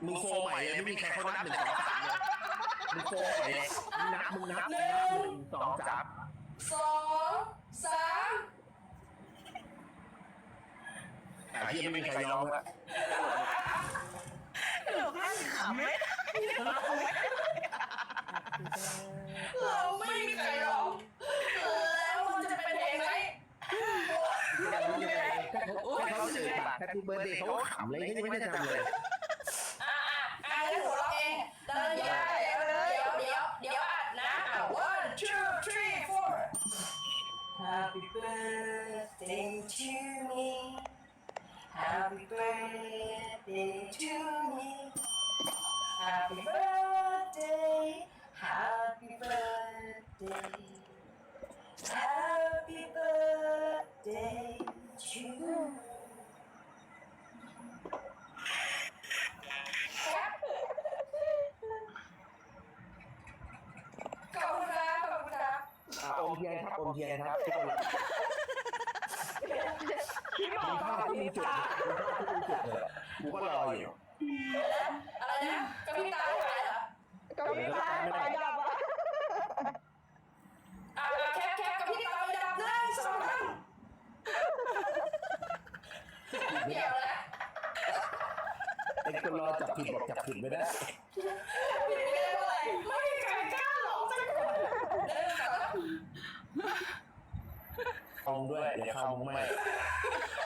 มึงโฟใหม่เลยไม่มีใครเขานับ1 2 3เลยมึงโฟใหม่เลยมึงนับ1 2 3 2 3 ที่ไม่มีใครร้องละหนูก็ขำไม่ได้เราไม่มีใครร้องแล้วมันจะเป็นเพลงไหมเขาสื่อปากแฮปปี้เบิร์ดเดย์เขาขำเลยนี่ไม่ได้จำเลยงั้นหัวเราะเองเดินยาเดี๋ยวอัดนะ 1 2 3 4 Happy birthday to me Happy birthday to me Happy birthday Happy birthday Happy birthday to you ขอบคุณครับขอบคุณครับอมเทียนครับอมเทียนครับทุกคนพี่หมอมีภาพที่มีจุดเลยกูก็รออยู่อะไรนะกระพริบตาไม่ไหวเหรอก็ไม่ได้ไฟดับอ่ะแคปกระพริบตาไม่ดับ1 2 3เดี๋ยวนะไอ้คนรอจับผิดบอกจับผิดไม่ได้ผิดไม่ได้เท่าไหร่ไม่มีใครกล้าหลอกสักคน1 2 3 คองด้วยเดี๋ยวเข้ามึงไม่